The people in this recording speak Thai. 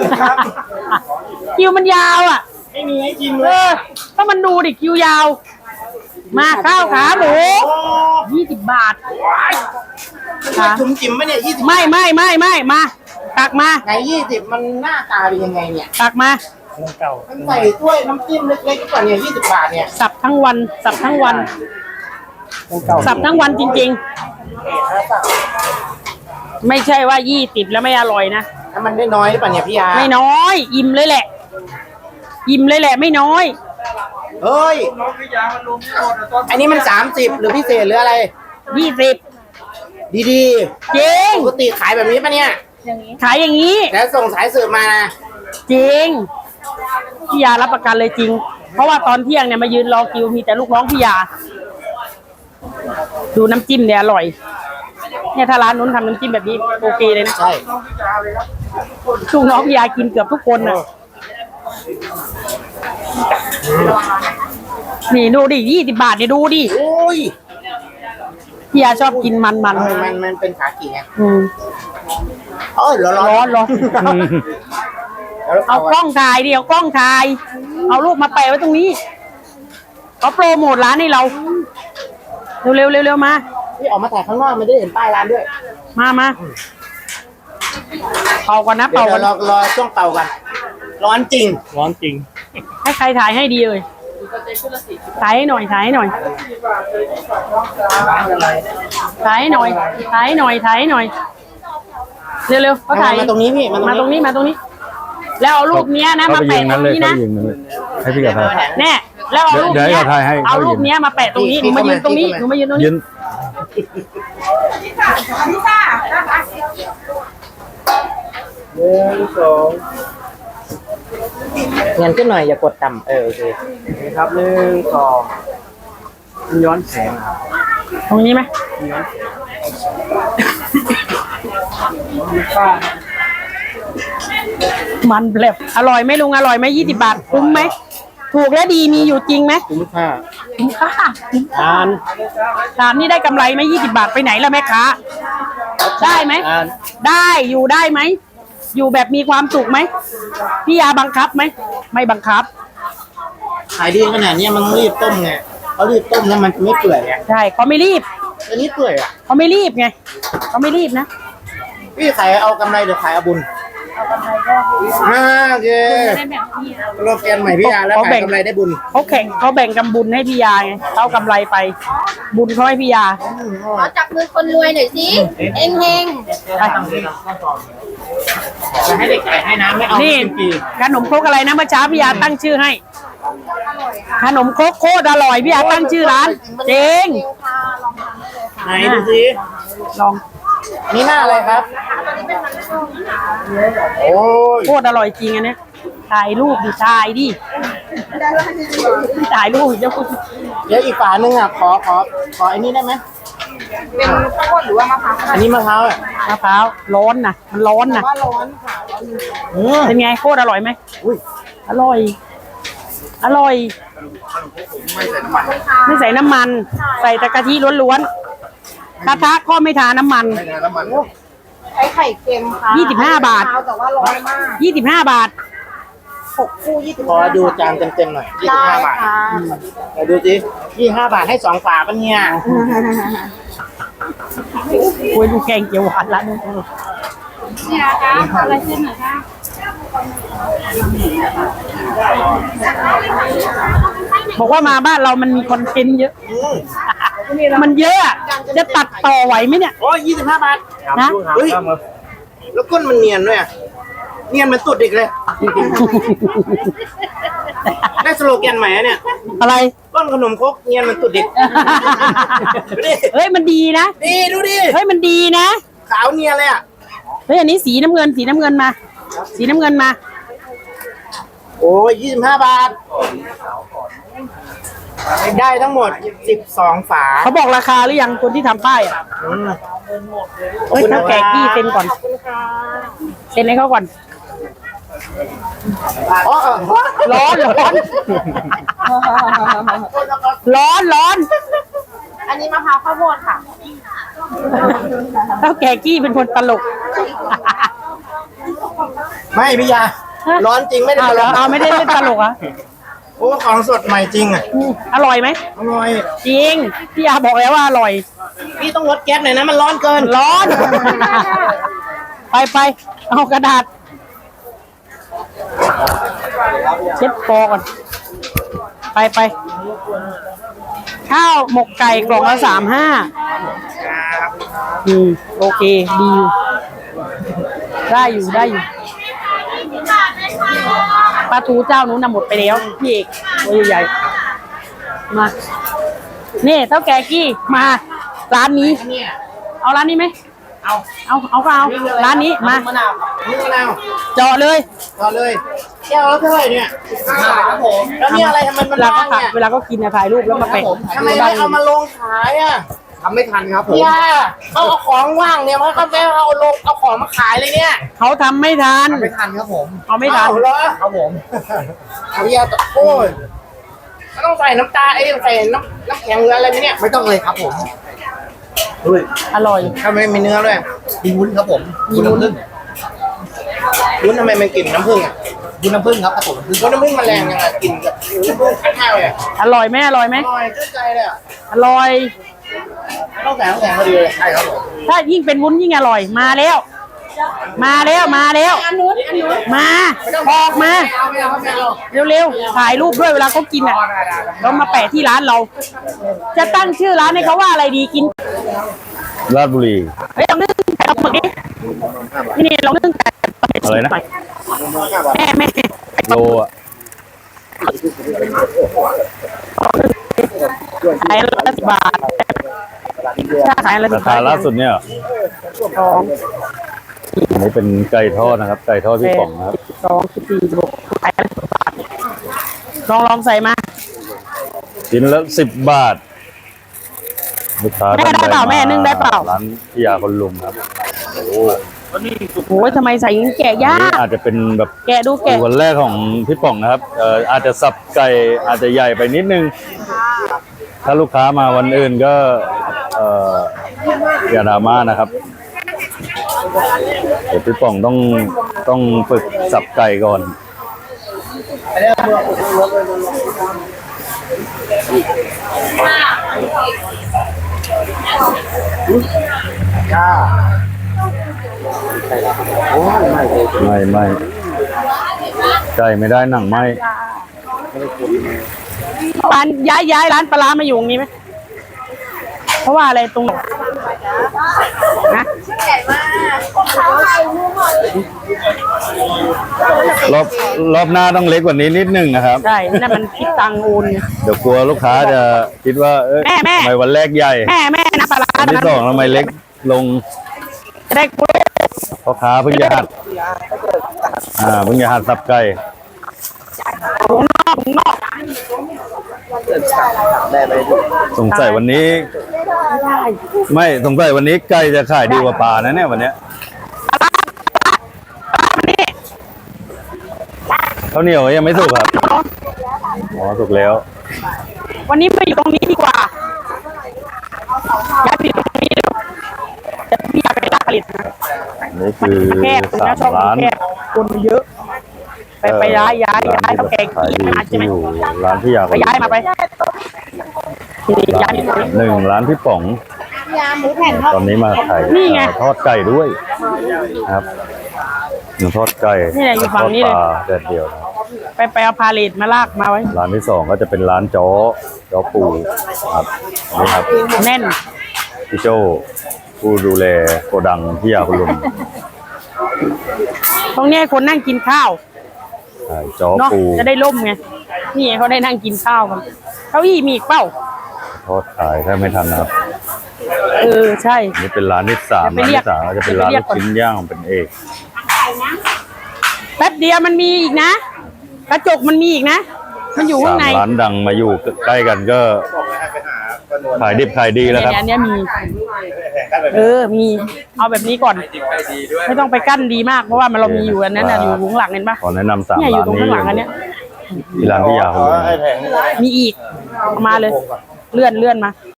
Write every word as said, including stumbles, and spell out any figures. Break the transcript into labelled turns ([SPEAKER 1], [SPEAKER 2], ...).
[SPEAKER 1] คิวมันยาวอ่ะ
[SPEAKER 2] ไม่มีให้กินเล
[SPEAKER 1] เอย อถ้ามันดูดิคิวยาว มาข้าวขาหมูยี่สิบบาทค่ะ
[SPEAKER 2] จุ่มจิ๋มไหมเนี่ยยี่สิบ
[SPEAKER 1] ไม่ไม่ไม่ไม่มาตักมา
[SPEAKER 2] ไหนยี่สิบมันหน้าตาเป็นยังไงเนี่ย
[SPEAKER 1] ตักมา
[SPEAKER 2] มันใส่ถ้วยน้ำจิ้มเล็กๆก่อนเนี่ยยี่สิบบาทเนี่ย
[SPEAKER 1] สับทั้งวันสับทั้งวันสับทั้งวันจริงๆไม่ใช่ว่ายี่สิบแล้วไม่อร่อยนะ
[SPEAKER 2] ถ้ามันได้น้อยหรือเปล่าเนี่ยพี่ยา
[SPEAKER 1] ไม่น้อยอิ่มเลยแหละอิ่มเลยแหละไม่น้อย
[SPEAKER 2] เฮ้ยอันนี้มันสามสิบหรือพิเศษหรืออะไร
[SPEAKER 1] ยี่สิบ
[SPEAKER 2] ดี
[SPEAKER 1] จริง
[SPEAKER 2] ๆปกติขายแบบนี้ปะเนี่ย
[SPEAKER 1] ขายอย่างนี้
[SPEAKER 2] แล้วส่งสายสืบมานะ
[SPEAKER 1] จริงพี่ยารับประกันเลยจริง เพราะว่าตอนเที่ยงเนี่ยมายืนรอคิวมีแต่ลูกน้องพี่ยาดูน้ำจิ้มเนี่ยอร่อยเนี่ยถ้าร้านนู้นทำน้ำจิ้มแบบนี้โอเคเลยนะ
[SPEAKER 2] ใช่
[SPEAKER 1] ลูกน้องพี่ยากินเกือบทุกคนน่ะนี่ดูดิยี่สิบบาทเนี่ยดูดิ
[SPEAKER 2] โอ้ย
[SPEAKER 1] พี่ยาชอบกินมันมัน
[SPEAKER 2] มันมันมันเป็นขากี่ไง
[SPEAKER 1] อืม
[SPEAKER 2] เออร้อน
[SPEAKER 1] ร้อนร้อนเอากล้องถ่ายดิเอากล้องถ่าย เอารูปมาแปะไว้ตรงนี้เขาโปรโมทร้านให้เราเร็วเร็วเร็วๆมา
[SPEAKER 2] นี่ออกมาถ่ายข้างนอกมันได้เห็นป้ายร้านด้วย
[SPEAKER 1] มามาเป่าก่อนนะ
[SPEAKER 2] เดี๋ย
[SPEAKER 1] เป่าว ก่อน
[SPEAKER 2] รอรอช่วงเป่ากันร้อนจริง
[SPEAKER 3] ร้อนจริง
[SPEAKER 1] ให้ใครถ่ายให้ดีเลยถ่ายให้หน่อยถ่ายให้หน่อยถ่ายให้หน่อยถ่ายให้หน่อยถ่ายให้หน่อยเร็วๆเขาถ่าย
[SPEAKER 2] มาตรงนี้พี่
[SPEAKER 1] มาตรงนี้มาตรงนี้ แล้วเอารูปเนี้ยนะมา
[SPEAKER 3] เข้าไปยิ
[SPEAKER 1] แปะ
[SPEAKER 3] ง
[SPEAKER 1] ต
[SPEAKER 3] นั้น
[SPEAKER 1] รง
[SPEAKER 3] เลย
[SPEAKER 1] นี้
[SPEAKER 3] เข้า
[SPEAKER 1] นะ
[SPEAKER 3] ไปยิงนั้นเลยให้พี่กับทาย
[SPEAKER 1] แน่แล้วเอารูป
[SPEAKER 3] เดี๋ยว
[SPEAKER 1] เนี้ย
[SPEAKER 3] เดี๋ยวถ่ายให้
[SPEAKER 1] เอารูปเนี้ยมาแปะตรงนี้หนูมายืนตรงนี้หนูมายืนตรงนี้
[SPEAKER 3] ยืน
[SPEAKER 2] หนึ่งสองเงินขึ้นหน่อยอย่ากดต่ำเออโอเคครับหนึ่งสองย้อนแสง
[SPEAKER 1] ตรงนี้ไหมมันแบบอร่อยไหมลุงอร่อยไหมยี่สิบบาทคุ้มไหมถูกและดีมีอยู่จริงไหม
[SPEAKER 2] คุ้มค่า
[SPEAKER 1] คุ้มค่า
[SPEAKER 2] ทาน
[SPEAKER 1] ทานนี่ได้กำไรไหมยี่สิบบาทไปไหนล่ะแม่ค้าได้ไหม
[SPEAKER 2] ทาน
[SPEAKER 1] ได้อยู่ได้ไหมอยู่แบบมีความสุขไหมพี่ยาบังคับไหมไม่บังคับ
[SPEAKER 2] ขายดีขนาดนี้มันต้องรีบต้มไงเขารีบต้มแล้วมันจะไม่เปื่อยอ่ะ
[SPEAKER 1] ใช่เขาไม่รีบ
[SPEAKER 2] อันนี้เปื่อยอ่ะ
[SPEAKER 1] เขาไม่รีบไงเขาไม่รีบนะ
[SPEAKER 2] พี่ขายเอากำไรหรือขายเอาบุญอ่าโอเคโลแกนใหม่พี่ยาแล้วขายกำไรได้บุญ
[SPEAKER 1] เขาแข่งเขาแบ่งกำบุญให้พี่ยาไงเขากำไรไป บุญเขาให้พี่ยา
[SPEAKER 4] ขอจับมือคนรวยหน่อยสิเฮงเฮง
[SPEAKER 1] ไป
[SPEAKER 2] จะให้เด็กขายให้น้ำไม่เอา
[SPEAKER 1] นี่
[SPEAKER 2] กินฟรี
[SPEAKER 1] ขนมครกอะไรนะเมื่อเช้าพี่ยาตั้งชื่อให้ ขนมครกโคตรอร่อยพี่ยาตั้งชื่อร้านเจ๊ง
[SPEAKER 2] ไหนดูสิ
[SPEAKER 1] ลอง
[SPEAKER 2] อันนี้หน้าอะไรครับโอ้ย
[SPEAKER 1] โคตรอร่อยจริงอันเนี้ยถ่ายรูปดิถ่ายดิถ่ายรูปเดี๋ยว
[SPEAKER 2] เดี๋ยวอีกฝาหนึ่งอ่ะขอขอขออันนี้ได้ไหม
[SPEAKER 4] เป็นข้าวโพดหรือว่ามะพร้าว
[SPEAKER 2] อันนี้มะพร้าวอ่ะ
[SPEAKER 1] มะพร้าวร้อนนะมันร้อนนะ
[SPEAKER 4] ว่าร้อนค่ะ
[SPEAKER 2] อืม
[SPEAKER 1] เป็นไงโคตรอร่อยไหม
[SPEAKER 2] อุ้ย
[SPEAKER 1] อร่อย อร่อย ไม่ใส่น้ำมัน ใส่แต่กะทิล้วนๆกระทะก็ไม่ทาน้ำมัน
[SPEAKER 4] ใช้ไข่เค็มค่ะ
[SPEAKER 1] ยี่สิบห้าบาท
[SPEAKER 4] แต่ว่าร้อนมาก
[SPEAKER 1] ยี่สิบห้าบาท
[SPEAKER 4] หกคู่ยี่สิบ
[SPEAKER 2] ขอดูจานเต็มๆหน่อยยี่สิบ
[SPEAKER 4] ได้
[SPEAKER 2] ห้าบาท
[SPEAKER 4] ค่ะ
[SPEAKER 2] เดี๋ยวดูสิยี่สิบห้าบาทให้สองฝาปะเนี่ย
[SPEAKER 1] โอ้ยดูแกงเขียวหวานละนี่
[SPEAKER 4] นี่นะคะอะไรเส้นหน่อยค่ะ
[SPEAKER 1] บอกว่ามาบ้านเรามันมีคอนเทนต์เยอะ
[SPEAKER 2] อืม
[SPEAKER 1] มันเยอะอะจะตัดต่อไหวไหมเนี่ย
[SPEAKER 2] โอ้ยยี่สิบห้าบาท
[SPEAKER 1] นะ
[SPEAKER 2] เฮ้ยแล้วก้นมันเนียนด้วยอะเนียนเหมันตุดอีกเลย ได้สโลแกนใหม่อะเนี่ย
[SPEAKER 1] อะไร
[SPEAKER 2] ก้นขนมครกเนียนเหมันตุดเด็ก ดูดิ
[SPEAKER 1] เฮ้ยมันดีนะ
[SPEAKER 2] ดีดูดิ
[SPEAKER 1] เฮ้ยมันดีนะ
[SPEAKER 2] ขาวเนียนเลยอ่ะ
[SPEAKER 1] เฮ้ยอันนี้สีน้ำเงินสีน้ำเงินมา สีน้ำเงินมา
[SPEAKER 2] โอ้ยยี่สิบห้าบาท ได้ทั้งหมดสิบสองฝา
[SPEAKER 1] เขาบอกราคาหรือยังคนที่ทำป้ายอ่ะ
[SPEAKER 2] อืม
[SPEAKER 1] เฮ้ยถ้าแกะกี้เซ็นก่อนเซ็นให้เขาก่อน
[SPEAKER 2] อ๋อ
[SPEAKER 1] ร้อนร้อนร้อนร้อน
[SPEAKER 4] อันนี้มะพร้าวข้าวโพดค่ะ
[SPEAKER 1] เท่าแกกี้เป็นคนตลก
[SPEAKER 2] ไม่พี่ยา ร้อนจริงไม่ได้
[SPEAKER 1] เอา
[SPEAKER 2] ตล
[SPEAKER 1] เหรอก เอาไม่ได้เล่นตลกเหรอ่ะ
[SPEAKER 2] โอ้ของสดใหม่จริงอ่ะ
[SPEAKER 1] อร่อยไหม
[SPEAKER 2] อร่อย
[SPEAKER 1] จริงพี่ยาบอกแล้วว่าอร่อย
[SPEAKER 2] พี่ต้องลดแก๊สหน่อยนะมันร้อนเกิน
[SPEAKER 1] ร้อน ไปไปเอากระดาษ เช็ดคอก่อน ไปไปข้าวหมกไก่กล่องละสามห้าอืมโอเค ดีอยู่ได้อยู่ได้อยู่ปลาทูเจ้านู้นน่ะหมดไปแล้วพี่เอกตัวใหญ่ๆมานี่เท่าแก่กี้มา ร้านนี้ เอาร้านนี้ไหม
[SPEAKER 2] เอา
[SPEAKER 1] เอาเอาก็เอาร้านนี้มา
[SPEAKER 2] มะนาวนี่มะนาว
[SPEAKER 1] เจาะเลย
[SPEAKER 2] ต่อเลยแก้วละเท่าไหร่เนี่ยห้าบาทครับผมแล้วนี่อะไรทำไมมัน
[SPEAKER 1] เวลา
[SPEAKER 2] ร้อ
[SPEAKER 1] ก็
[SPEAKER 2] น
[SPEAKER 1] ขับ
[SPEAKER 2] เนี่ย
[SPEAKER 1] เวลาก็กินนะถ่ายรูปแล้วมาแปะ
[SPEAKER 2] ทำไมไม่เอามาลงขายอ่ะ
[SPEAKER 3] ทำไม่ทันครับผม
[SPEAKER 2] ย่าเขาเอาของว่างเนี่ยมันก็ไม่เอาลงเอาของมาขายเลยเนี่ย
[SPEAKER 1] เขาทำไม่ทัน
[SPEAKER 3] ทำไม่ทันครับผม
[SPEAKER 1] เอาไม่ทัน
[SPEAKER 2] เอาเหรอ
[SPEAKER 3] ครับผม
[SPEAKER 2] เอาพี่ยาตะโอ้ยมันต้องใส่น้ำตาไอ้ยใส่น้ำน้ำแข็งหรืออะไรไหมเนี่ย
[SPEAKER 3] ไม่ต้องเลยครับผม
[SPEAKER 1] อร่อย
[SPEAKER 2] ทำไมมีเนื้อด้วย
[SPEAKER 3] มีวุ้นครับผม
[SPEAKER 1] มี
[SPEAKER 3] วุ้น
[SPEAKER 1] วุ้น
[SPEAKER 3] น้ำผึ้ง
[SPEAKER 2] วุ้นทำไมมันกลิ่นน้ำผึ้งอ่ะ
[SPEAKER 3] วุ้นน้ำผึ้งครับครับผมวุ้น
[SPEAKER 2] วุ้นน้ำผึ้งมันแรงยังไงกลิ่นกับน้ำผึ้งคัดมากเลยอะ
[SPEAKER 1] อร่อยไหมอร่อยไหม
[SPEAKER 2] อร่อยชื่นใจเลยอ่ะ
[SPEAKER 1] อร่อย
[SPEAKER 2] ต้องใส่น้ำแข็งพอดีเลย
[SPEAKER 3] ใช่ครับผม
[SPEAKER 1] ถ้ายิ่งเป็นวุ้นยิ่งอร่อยมาแล้ว มาแล้วมาแล้ว
[SPEAKER 4] อันนู้นอันนู้น
[SPEAKER 1] มาออกมา
[SPEAKER 2] เอาไม่เอาไม่เอา
[SPEAKER 1] เร็วๆถ่ายรูปด้วยเวลาเขากินอ่ะเรามาแปะที่ร้านเรา จะตั้งชื่อร้านให้เขาว่าอะไรดีกิน
[SPEAKER 5] ราชบุรี
[SPEAKER 1] เฮ้ยลองนึ่งไก่ปลาหมึกดินี่ลองนึ่งไก่ปลาหมึก
[SPEAKER 5] อะไรนะ
[SPEAKER 1] แม่แม่
[SPEAKER 5] โลอ่ะ
[SPEAKER 1] ขายละสิบบาทถ้าขายละสิ
[SPEAKER 5] รา
[SPEAKER 1] บบา
[SPEAKER 5] คา
[SPEAKER 1] ท
[SPEAKER 5] ล่าสุดเนี่ย
[SPEAKER 1] สอง
[SPEAKER 5] อันนี้เป็นไก่ทอดนะครับ ไก่ทอดพี่ป๋องนะครับ
[SPEAKER 1] สองสิบสี่สิบหกขายละสิบบาทลองลองใส่มา
[SPEAKER 5] ชิ้นละสิบบาทลูกค้า
[SPEAKER 1] แม่ได้เปล่าแม่นึ่งได้เปล่า
[SPEAKER 5] ร้านพิยาคนลุมครับโอ้โห
[SPEAKER 1] โอ้ยทำไมใส่อย่างนี้แกะยา
[SPEAKER 5] อันนี้
[SPEAKER 1] ก
[SPEAKER 5] อาจจะเป็นแบบ
[SPEAKER 1] แกะดูแกะ
[SPEAKER 5] วันแรกของพี่ป๋องนะครับเอ่ออาจจะสับไก่อาจจะใหญ่ไปนิดนึง ถ้าลูกค้ามาวันอื่นก็เอ่ออย่าดราม่านะครับเดี๋ยวพี่ป๋องต้องต้องฝึกสับไก่ก่อน ไม่ไม่ไก่ไม่ได้หนังไหม
[SPEAKER 1] ร้านย้ายย้ายร้านปลาร้ามาอยู่ตรงนี้ไหมเพราะว่าอะไรตรงไหนนะ
[SPEAKER 5] รอบรอบหน้าต้องเล็กกว่านี้นิดนึงนะครับ
[SPEAKER 1] ใช่นั่นมันคิดตังค์โอนไง
[SPEAKER 5] เดี๋ยวกลัวลูกค้าจะคิดว่าเอ้ย
[SPEAKER 1] แม่แม่
[SPEAKER 5] ทำไมวันแรกใหญ่
[SPEAKER 1] แม่แม่นะปลาร้า
[SPEAKER 5] วันที่สองทำไมเล็กลง
[SPEAKER 1] จะได้กล้วย
[SPEAKER 5] พ่อค้าเพิ่งจะหัดอ่าเพิ่งจะหัดสับไก่
[SPEAKER 1] ถุงนอกถุงนอก
[SPEAKER 5] สงสัยวันนี้ ไม่สงสัยวันนี้ไก่จะขายดีกว่าปลานะเนี่ยวันเนี้ย
[SPEAKER 1] นี่
[SPEAKER 5] ข้าวเหนียวยังไม่สุกครับอ๋อสุกแล้ว
[SPEAKER 1] วันนี้มาอยู่ตรงนี้ดีกว่าย้ายไปอยู่ตรงนี้เลยแต่พี่อยากไปลากผลิตนะ
[SPEAKER 5] อันนี้คือ
[SPEAKER 1] แคบ
[SPEAKER 5] สา
[SPEAKER 1] นะ
[SPEAKER 5] ม
[SPEAKER 1] ช่อง
[SPEAKER 5] ร้าน
[SPEAKER 1] แคบคนเยอะ ไปไปย้ายย้ายย้าย
[SPEAKER 5] ร้
[SPEAKER 1] เขาแก่
[SPEAKER 5] ขาย
[SPEAKER 1] กี่
[SPEAKER 5] ดี
[SPEAKER 1] มาใช่
[SPEAKER 5] ที่
[SPEAKER 1] ไหม
[SPEAKER 5] อยู่ร้านพี่ยา
[SPEAKER 1] ไปย้ายมาไปนี่ย้ายอยู่ตรงนี้
[SPEAKER 5] หนึ่งร้านพี่ป๋อง
[SPEAKER 4] ยาหมูแผ่นทอด
[SPEAKER 5] ตอนนี้มาขาย
[SPEAKER 1] นี่ไง
[SPEAKER 5] ทอดไก่ด้วยนะครับหนึ่งทอดไก่
[SPEAKER 1] นี่แหละอยู่ฝั่งนี้เลย
[SPEAKER 5] ทอดปลาแดดเดียวนะ
[SPEAKER 1] ไปไปเอาพาเลทมาลากมาไว้
[SPEAKER 5] ร้านที่สองก็จะเป็นร้านจ้อจ้อปูครับนี่ครับ
[SPEAKER 1] แน่น
[SPEAKER 5] พี่โจผู้ดูแลโกดังพี่ยาคุณลุง
[SPEAKER 1] ตรงนี้ให้คนนั่งกินข้าว
[SPEAKER 5] ใช่จ้อ
[SPEAKER 1] เนาะ
[SPEAKER 5] ปู
[SPEAKER 1] จะได้ล่มไงนี่เขาได้นั่งกินข้าวกันเก้าอี้มีอีกเปล่า
[SPEAKER 5] ทอดขายถ้าไม่ทันนะครับ
[SPEAKER 1] เออใช่
[SPEAKER 5] นี่เป็นร้านที่สาม
[SPEAKER 1] เดี๋
[SPEAKER 5] ร้าน
[SPEAKER 1] ยวไปเรียก
[SPEAKER 5] ที่สามก็จะเป็นร้าน
[SPEAKER 1] เดี๋
[SPEAKER 5] ลู
[SPEAKER 1] ยว
[SPEAKER 5] ก
[SPEAKER 1] ไปเรียกก่อน
[SPEAKER 5] ชิ้นย่างเป็นเอก
[SPEAKER 1] แป๊บเดียวมันมีอีกนะ กระจกมันมีอีกนะ มันอยู่ข้า
[SPEAKER 5] สาง ม
[SPEAKER 1] ใน
[SPEAKER 5] ร้านดังมาอยู่ใกล้กันก็ขายดิบขายดีแล้วครับ
[SPEAKER 1] เนี่ยอันเนี้ยมี เออ มี เอาแบบนี้ก่อน ไม่ต้องไปกั้นดีมาก เพราะว่ามันเรามีอยู่อันนั้นน่ะอยู่ข้างหลังเห็นปะ
[SPEAKER 5] ขอแนะนำสาม
[SPEAKER 1] เนี่ยอยู่
[SPEAKER 5] ร้าน
[SPEAKER 1] ตรง
[SPEAKER 5] นี้
[SPEAKER 1] ข้างหลังอันเนี้ย
[SPEAKER 5] ที่ร้านพี่ยาคุณลุง
[SPEAKER 2] ไอ้แผง
[SPEAKER 1] มีอีกเอามาเลย เลื่อนเลื่อนมา